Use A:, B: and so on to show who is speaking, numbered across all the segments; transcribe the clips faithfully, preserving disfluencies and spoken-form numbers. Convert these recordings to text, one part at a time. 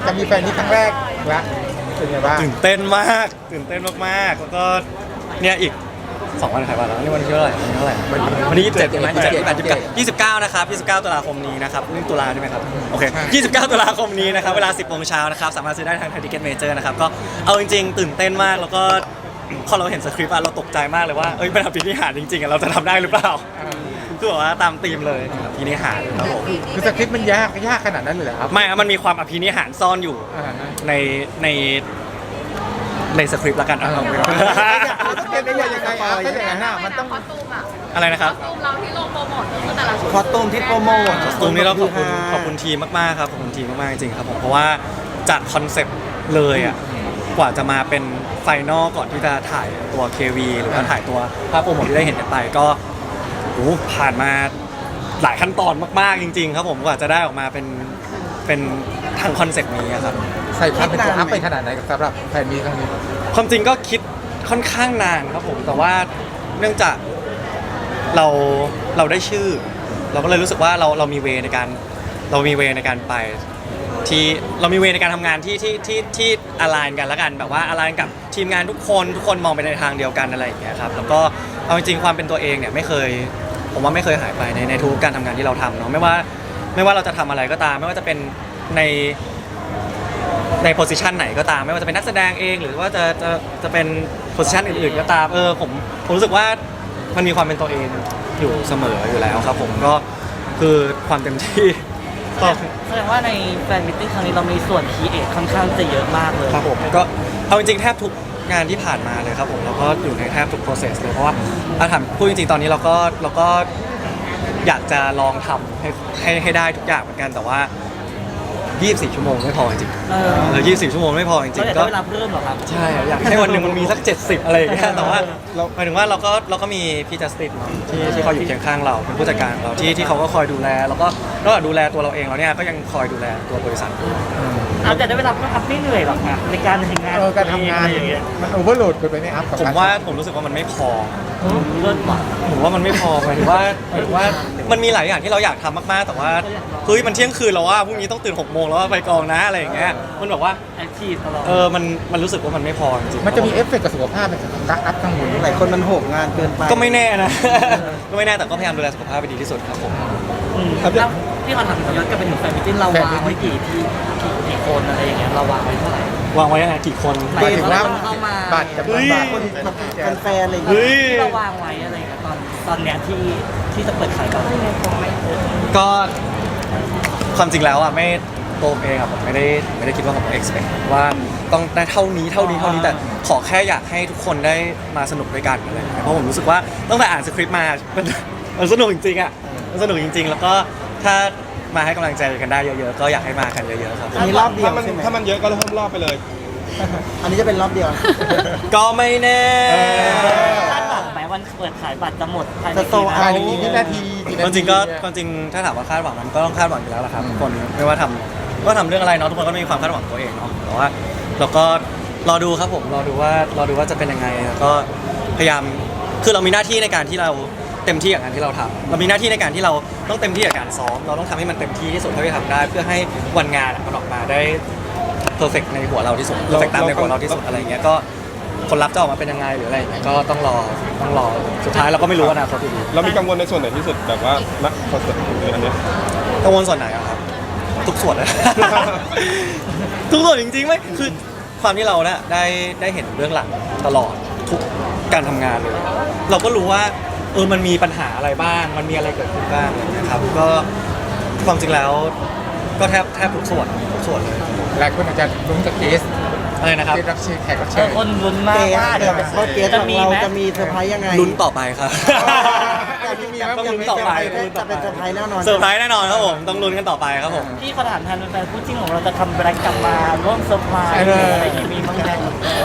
A: จะมีแฟนนี้ครั้งแรกละเป็นไงบ้าง
B: ตื่นเต้นมากตื่นเต้นมากๆแล้วก็เนี่ยอีกสองวันขายบัตรแล้วนี่วันที่เท่าไหร่วันที่เท่าไหร่วันที่ยี่สิบเจ็ดใช่ไหมยี่สิบเจ็ดยี่สิบแปดยี่สิบเก้านะครับยี่สิบเก้าตุลาคมนี้นะครับนี่ตุลาใช่ไหมครับโอเคยี่สิบเก้าตุลาคมนี้นะครับเวลาสิบโมงเช้านะครับสามารถซื้อได้ทางไทยทิเก็ตเมเจอร์นะครับก็เอาจริงๆตื่นเต้นมากแล้วก็พอเราเห็นสคริปต์อะเราตกใจมากเลยว่าเอ้ยเป็นอภินิหารจริงๆอะเราจะทำได้หรือเปล่าคือแบบว่าตามธีมเลยอภินิหารครับผม
A: คือสคริปต์มันยากยากขนาดนั้นเลยเหรอครับ
B: ไม่ครับมันมีความอภินิหารซ่อนอยู่
A: อ่าฮะ
B: ในในในสคริปต์ละกันเอา
A: สคริปต์ได้ยังไงอ่ะเป็นยังไงฮะมันต้อง
C: คอสตูมอะ
B: อะไรนะครับ
C: คอสตูมเราที่ลงโปรโมทก็คือแต่ละชุด
D: คอสตูมที่โปรโมท
B: ตรงนี้เราขอบคุณขอบคุณทีมมากๆครับขอบคุณทีมมากๆจริงๆครับผมเพราะว่าจากคอนเซปต์เลยอ่ะกว่าจะมาเป็นไฟนอลก่อนที่จะถ่ายตัว เค วี หรือว่าถ่ายตัวภาพโปรโมทที่ได้เห็นกันไปก็โอ้โหผ่านมาหลายขั้นตอนมากๆจริงๆครับผมกว่าจะได้ออกมาเป็นเป็นทางคอนเซปต์นี้อะครับ
A: ใส่ความเป็นตัวอัพไปขนาดไหนกับสำหรับแฟนมีครั้งนี้
B: ความจริงก็คิดค่อนข้างนานครับผมแต่ว่าเนื่องจากเราเราได้ชื่อ เราก็เลยรู้สึกว่าเราเรามีเวในการเรามีเวในการไปที่เรามีเวในการทำงานที่ที่ที่ที่อลายกันแล้วกันแบบว่าอลายกับทีมงานทุกคนทุกคนมองไปในทางเดียวกันอะไรอย่างเงี้ยครับแล้วก็เอาจริงๆความเป็นตัวเองเนี่ยไม่เคยผมว่าไม่เคยหายไปในในทุกการทำงานที่เราทำเนาะไม่ว่าไม่ว่าเราจะทำอะไรก็ตามไม่ว่าจะเป็นในในโพสิชันไหนก็ตามไม่ว่าจะเป็นนักแสดงเองหรือว่าจะจะจะเป็นโพสิชันอื่นๆก็ตามเออผมผมรู้สึกว่ามันมีความเป็นตัวเองอยู่เสมออยู่แล้วครับผมก็คือความเต็มที่ก็
D: แสดงว่าในแฟนมิตติ้งครั้งนี้เรามีส่วนคีเอทค่อนข้างจะเยอะมากเลย
B: ครับผมก็เอาจริงๆแทบทุกงานที่ผ่านมาเลยครับผมเราก็อยู่ในแทบทุก process เลยเพราะว่าถ้าถามพูดจริงๆตอนนี้เราก็เราก็อยากจะลองทำให้ให้ให้ได้ทุกอย่างเหมือนกันแต่ว่ายี่สิบสี่ชั่วโมงไม่พอจริงๆ
D: เออ
B: เออยี่สิบสี่ชั่วโมงไม่พอจริ
D: เรา
B: ง
D: อยาก
B: ๆก็
D: ได้เวลาเพิ่มเหรอครับ
B: ใช่อยากให้วันหนึ่งมันมีสักเจ็ดสิบอะไรอย่างเงี้ยแต่ว่าเราหมายถึงว่าเราก็เราก็มีพี่จัสตินเนาะที่ที่เขาอยู่เคียงข้างเราเป็นผู้จัดการของเราที่ที่เขาก็คอยดูแลแล้วก็นอกจากดูแลตัวเราเองแล้วเนี่ยก็ยังคอยดูแลตัวบริษัทด้วย
D: เอาแต่ได้เวลาเพิ่มครับไม่เหนื่อยหรอกนะในการทำงาน
A: เออการทำงาน
D: อย่างเงี้ย
A: มันโอเวอร์โหลดเกินไปไหมครับกับ
B: ผม
A: กร
B: ว่าผมรู้สึกว่ามันไม่พอ
D: เลิศว่ะ
B: ผมว่ามันไม่พอหมายถึงว่าหมายถึงว่ามันมีหลายอย่างที่เราอยากทำมากๆแต่ว่าเฮ้ยมันเที่ยงคืนแล้วว่าพรุ่งนี้ต้องตื่นหกโมงแล้วว่าไปกองนะอะไรอย่างเงี้ยมันแบบว่า
D: แอคทีฟตลอด
B: เออมันมันรู้สึกว่ามันไม่พอจริงๆ
A: มันจะมีเอฟเฟกต์กับสุขภาพไหมครับการอัพข้างบน
D: หลายคนมันโหมงานเกินไป
B: ก็ไม่แน่นะ ก็ไม่แน่แต่ก็พยายามดูแลสุขภาพไปดีที่สุดครับผม
D: อืมแล้วที่เขาถามย้อนกลับไปถึงแฟนมิตติ้งเราวางไว้กี่ที่กี่กี่คนอะไรอย่างเงี้ยเราวางไว้เท่าไหร่
B: วางไว้ยังไงกี่คน
A: หมายถึงว่า
D: เข้ามา
A: บัตรจำนวนบัตรคนคนแฟนอะไรอย่าง
B: เฮ้
A: เงี้ย
B: ย
D: ที่เราวางไว้อะไรอย่างเงี้ยตอนตอนเนี้ยที่ที่จะเปิดขายก่อน
B: ก็ความจริงแล้วอ่ะไม่ตัวผมเองอ่ะผมไม่ได้ไม่ได้คิดว่าผม expect ว่าต้องได้เท่านี้เท่านี้เท่านี้แต่ขอแค่อยากให้ทุกคนได้มาสนุกด้วยกันอะไรอย่างเงี้ยเพราะผมรู้สึกว่าตั้งแต่อ่านสคริปต์มา มันมันสนุกจริงๆอ่ะมันสนุกจริง ๆ แล้วก็ถ้ามาให้กำลังใจกันได้เยอะๆก็อยากให้มากันเยอะๆครับ
D: อันนี้รอบเดียว
E: ถ้ามัน
D: ใช่ไหม
E: ถ้ามันเยอะก็เพิ่มรอบไปเลย
D: อันนี้จะเป็นรอบเดียว
B: ก็ไม่แน่
D: คาดหวังไหมวันเปิดขายบัตรจะหมดภายใน
A: จะโต
D: กี่
A: ภาย
D: นา
A: ใน
D: ที
A: กี่วินาทีกี่
B: ค
A: นาว
B: ามจ
A: ที
B: ริงก็ความจริงถ้าถามว่าคาดหวังมันก็ต้องคาดหวังอยู่แล้วแหละครับทุกคนไม่ว่าทำก็ทำเรื่องอะไรเนาะทุกคนก็มีความคาดหวังตัวเองเนาะแต่ว่าเราก็รอดูครับผมรอดูว่ารอดูว่าจะเป็นยังไงแล้วก็พยายามคือเรามีหน้าที่ในการที่เราเต็มที่กับงานที่เราทำเรามีหน้าที่ในการที่เราต้องเต็มที่กับการซ้อมเราต้องทำให้มันเต็มที่ที่สุดเท่าที่ทำได้ เพื่อให้วันงานมันออกมาได้เพอร์เฟกในหัวเราที่สุดเพอร์เฟกตามในหัวเราที่สุดอะไรอย่างเงี้ยก็ผลลัพธ์จะออกมาเป็นยังไงหรืออะไรอย่างเงี้ยก็ต้องรอต้องรอสุดท้ายเราก็ไม่รู้อนาคตอยู่ดี
E: เรามีกังวลในส่วนไหนที่สุดแบบว่านักคอนเสิร์ตอันเนี้ย
B: กังวลส่วนไหนอะครับ ทุกส่วนเลย ทุกส่วนจริงๆไม่คือความที่เราเนี่ยได้ได้เห็นเรื่องหลังตลอดทุกการทำงานเลย เราก็รู้ว่าเออมันมีปัญหาอะไรบ้าง มันมีอะไรเกิดขึ้นบ้างอะไรอย่างเงี้ยครับก็ความจริงแล้วก็แทบแทบทุกส่วนทุกส่วนเลย
A: หลายคนอาจจะลุ้นกับเกส
B: อะไรนะครับ
A: เกสรับเชิญแขกรับ
D: เอ
A: เชิ
D: อ
A: ญ
D: คนลุ้นมากว่าเดี๋ยวเขาเกส
F: จะ
D: ของ
F: มี
D: เรา
F: ไหม
D: จะมีเซอร์ไพรส์ยังไง
B: ลุ้นต่อไปครับ ต้องลุ้นต่อไป
D: จะเป็นเซอร์ไพรส์แน่นอน
B: เซอร์ไพรส์แน่นอนครับผมต้องลุ้นกันต่อไปครับผม
D: ที่เขาถามแทนแฟนๆคู่จิ้นของเราจะทำแบรนด์กลับมาร่วมเซอร์ไพรส์อะไรอย่างงี้มีบ้างไหม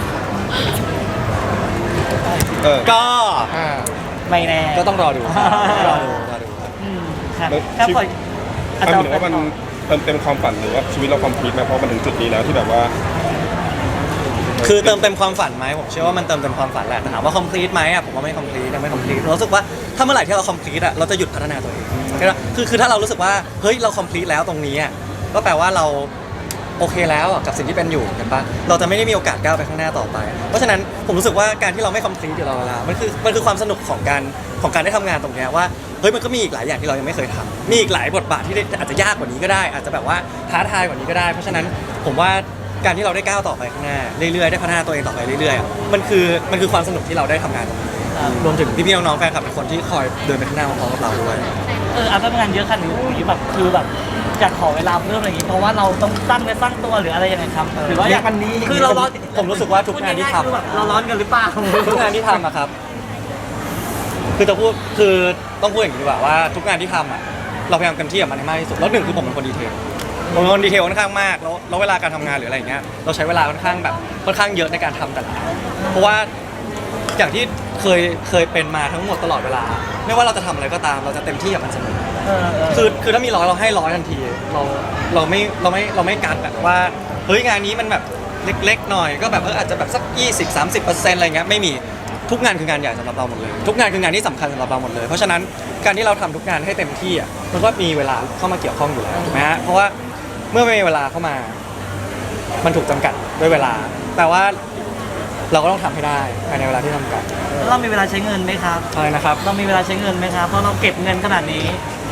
E: เออ
B: ก็
A: อ่า
D: ไม่แน่
B: ก็ต้องรอดูครับรอดูรอดูครับ
D: อืมครับ
E: แล้ว
D: ถ้าปล่อย
E: มันเหมือนว่ามันเติมเต็มความฝันหรือว่าชีวิตเราคอมพลีทไหมเพราะมันถึงจุดนี้แล้วที่แบบว่า
B: คือเติมเต็มความฝันไหมผมเชื่อว่ามันเติมเต็มความฝันแหละแต่ถามว่า complete ไหมอ่ะผมว่าไม่ complete ยังไม่ complete เรารู้สึกว่าถ้าเมื่อไหร่ที่เรา complete อ่ะเราจะหยุดพัฒนาตัวเองคือคือถ้าเรารู้สึกว่าเฮ้ยเรา complete แล้วตรงนี้อ่ะก็แปลว่าเราโอเคแล้วอะกับสิ่งที่เป็นอยู่กันปะเราจะไม่ได้มีโอกาสก้าวไปข้างหน้าต่อไป เพราะฉะนั้นผมรู้สึกว่าการที่เราไม่คอมพลีทอยู่ตลอดเวลามันคือมันคือความสนุกของการของการได้ทำงานตรงเนี้ยว่าเฮ้ยมันก็มีอีกหลายอย่างที่เรายังไม่เคยทำมีอีกหลายบทบาทที่อาจจะยากกว่านี้ก็ได้ อาจจะแบบว่าท้าทายกว่านี้ก็ได้ เพราะฉะนั้นผมว่าการที่เราได้ก้าวต่อไปข้างหน้าเรื่อยๆได้พัฒนาตัวเองต่อไปเรื่อยๆอะมันคือมันคือความสนุกที่เราได้ทำงานตรงนี้รวมถึงพี่ๆน้องๆแฟนคลับเป็นคนที่คอยเดินไปข้างหน้าพร้อมๆกับเราด้วย
D: เอออาทำงานเยอะขนาดนี้แบบคือแบบอยากขอเวลาเพิ่มอะไรอย่างงี้เพราะว่าเราต้องตั้งเนื้อตั้งตัวหรืออะไรยังไงครับหรือว่าอยาก
A: วันนี้
D: คือเราร้อน
B: ผมรู้สึกว่าทุกงานที่ทำ
D: พูดง่ยๆคือแบบเราร้อนกันหรือเปล่า
B: ทุกงานที่ทำอะครับ คือจะพูดคือต้องพูดอย่างนี้ดีกว่าว่าทุกงานที่ทำอะเราพยายามเต็มที่กับมันให้มากที่สุดแล้วหนึ่งคือผมเป็นคนดีเทลผมเป็นคนดีเทลค่อนข้างมากแล้วแล้วเวลาการทำงานหรืออะไรอย่างเงี้ยเราใช้เวลาค่อนข้างแบบค่อนข้างเยอะในการทำแต่ละอันเพราะว่าอย่างที่เคยเคยเป็นมาทั้งหมดตลอดเวลา ไม่ว่าเราจะทำอะไรก็ตามเราจะเต็มที่กับมันเสมอ
D: เออเออ
B: คือคือถ้ามีร้อยเราให้ร้อยทันทีเราเราไม่เราไม่เราไม่กัดแบบว่าเฮ้ยงานนี้มันแบบเล็กๆหน่อยก็แบบเอออาจจะแบบสักยี่สิบ สามสิบเปอร์เซ็นต์อะไรเงี้ยไม่มีทุกงานคืองานใหญ่สำหรับเราหมดเลยทุกงานคืองานที่สำคัญสำหรับเราหมดเลยเพราะฉะนั้นการที่เราทำทุกงานให้เต็มที่อ่ะมันก็มีเวลาเข้ามาเกี่ยวข้องอยู่แล้วถูกไหมฮะเพราะว่าเมื่อไม่มีเวลาเข้ามา มันถูกจำกัดด้วยเวลาแต่ว่าเราก็ต้องทำให้ได้ภายในเวลาที่จำกัด
D: แล้วเรามีเวลาใช้เงินไหมครับ
B: อะไรนะครับ
D: เรามีเวลาใช้เงินไหมครับ เพราะเราเก็บเงินขนาดนี้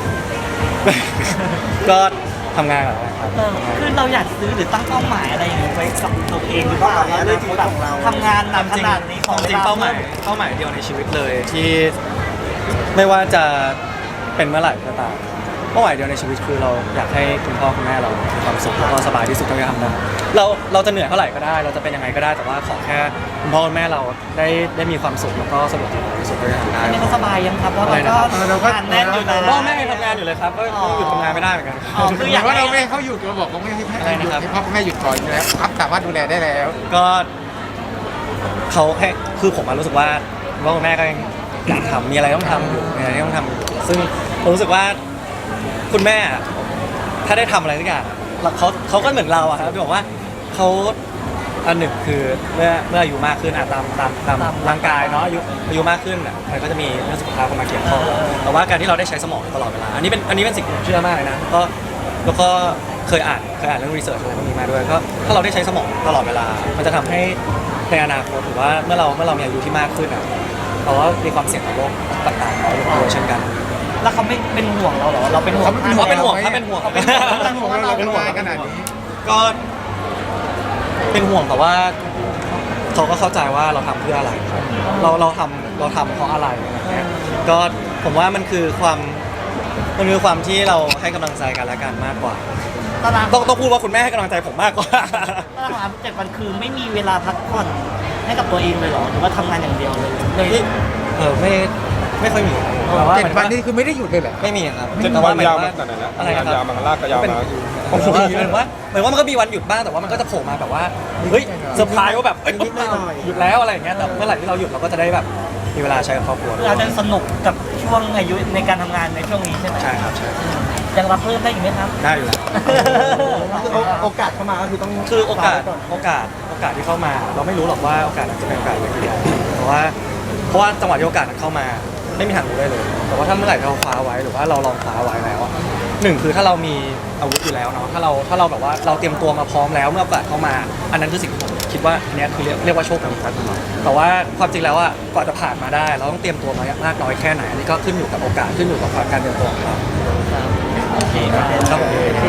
B: ก็ทำงานกับอะไรครับ
D: เออคือเราอยากซื้อหรือตั้งเป้าหมายอะไรอย่างเงี้ยไว้กับตัวเองหรือเปล่าว่าด้วยที่แบบทำงานหนักขนาดนี้ของ
B: จริงๆเป้าหมายเป้าหมายเดียวในชีวิตเลยที่ไม่ว่าจะเป็นเมื่อไหร่ก็ตามเป้าหมายเดียวในชีวิตคือเราอยากให้คุณพ่อคุณแม่เรามีความสุขแล้วก็สบายที่สุดเท่าที่ทำได้เราเราจะเหนื่อยเท่าไหร่ก็ได้ เราจะเป็นยังไงก็ได้แต่ว่าขอแค่คุณพ่อคุณแม่เราได้ได้มีความสุขแล้วก็สะดวกสบายที่สุดเท่าที่ทำได้
D: อันนี้เขาสบายยังครับ เพราะเราก็
A: เออเราก็
D: งานแน่นอยู่นะ
B: พ่อแม่ยังทำงานอยู่เลยครับก็ก็หยุดทำงานไม่ได้เหมือนกัน
D: อ๋อคืออยาก
A: ว่าเราไม่ให้เขาหยุดเราบอกเขาไม่ให้
B: อะไรนะครับ
A: ให้พ่อแม่หยุดก่อนอยู่แล้วครับสามารถดูแลได้แล้ว
B: ก็เขาให้คือผมมารู้สึกว่าคุณพ่อคุณแม่ก็ยังอยากทำมีอะไรต้องทำอยู่มีอะไรที่ต้องทำอยู่ซึ่งผมรู้สึกว่าคุณแม่อะถ้าได้ทำอะไรสักอย่างแล้วเขาเขาก็เหมือนเราอะครับที่บอกว่าเขาอันหนึ่งคือเมื่อเมื่ออายุมากขึ้นอะตามตามตามร่างกายเนาะอายุอายุมากขึ้นอะมันก็จะมีเรื่องสุขภาพเข้ามาเกี่ยวข้องแต่ว่าการที่เราได้ใช้สมองตลอดเวลาอันนี้เป็นอันนี้เป็นสิ่งที่ผมเชื่อมากเลยนะก็แล้วก็เคยอ่านเคยอ่านเรื่องรีเสิร์ชอะไรพวกนี้มาด้วยก็ถ้าเราได้ใช้สมองตลอดเวลา มันจะทำให้ในอนาคตหรือว่าเมื่อเราเมื่อเรามีอายุที่มากขึ้นอะเราก็มีความเสี่ยงต่อโรคต่างๆน้อยลงด้วยเช่นกัน
D: แล้วเขาไม่เป็นห่วงเราเหรอ เราเป็นห่วง
A: เขาไม่เป็นห่วง
B: เป็นห่วงครับเป็นห่วง
A: เป็นห่วงเราเป็นห่วงขนาดนี้
B: ก็เป็นห่วงแต่ว่าเขาก็เข้าใจว่าเราทำเพื่ออะไร เราเราทำเราทำเพราะอะไรอะไรเงี้ยก็ผมว่ามันคือความมันคือความที่เราให้กำลังใจกันและกันมากกว่า
D: ตาราง
B: ต้องต้องพูดว่าคุณแม่ให้กำลังใจผมมากกว่า
D: ตารางเจ็ดวันคือไม่มีเวลาพักผ่อนให้กับตัวเองเลยเหรอ หรือว่าทำงานอย่างเดียวเลยเลย
B: เออไม่ไม่ค่อยมีแต่ว่า
A: เจ็ดวันนี้คือไม่ได้หยุดเลยเหรอ
B: ไม่มีครับ
E: เจ็ด
B: แต่
E: วั
B: ว่าน หมาย
E: ยาว
B: ถึง
E: มา
B: ว่า
E: ขนาดไหนแล้ว
B: อะไรนะค
E: ยาว
B: รับ
E: มาลากก็ยาว
B: เป็น
E: มา
B: เหมือนว่าเหมือนว่ามันก็มีวันหยุดบ้างแต่ว่ามันก็จะโผล่มาแบบว่าเฮ้ยเซอร์ไพรส์ว่าแบบเอ้ยหยุดแล้วอะไรอย่างเงี้ยแต่เมื่อไหร่ที่เราหยุดเราก็จะได้แบบมีเวลาใช้กับครอบครัว
D: คืออาจจะสนุกกับช่วงอายุในการทำงานในช่วงนี้ใช่ไหม
B: ใช่ครับใช่
D: ยังรับเพิ่มได้อีกไหมครับ
B: ได้อยู่แล้ว
A: โอกาสเข้ามาก็คือต้อง
B: คือโอกาสโอกาสโอกาสที่เข้ามา เราไม่รู้หรอกว่าโอกาสนั้นจะเป็นโอกาสอย่างไรเพราะว่าเพราะว่าจังหวะที่โอกาสนั้นเข้ามาไม่มีทางรู้ได้เลย แต่ว่าถ้าเมื่อไหร่เราคว้าไว้หรือว่าเราลองคว้าไว้แล้วอะหนึ่งคือถ้าเรามีอาวุธอยู่แล้วเนาะถ้าเราถ้าเราแบบว่าเราเตรียมตัวมาพร้อมแล้วเมื่อโอกาสเข้ามา อันนั้นคือสิ่งที่ผมคิดว่าอันเนี้ยคือเรียกเรียกว่าโชคดีครับแต่ว่าความจริงแล้วอะกว่าจะผ่านมาได้ เราต้องเตรียมตัวมามากน้อยแค่ไหนอันนี้ก็ขึ้นอยู่กับโอกาสขึ้นอยู่กับการเตรียมตัวของเรา
D: โอเคครับ
B: ครับผม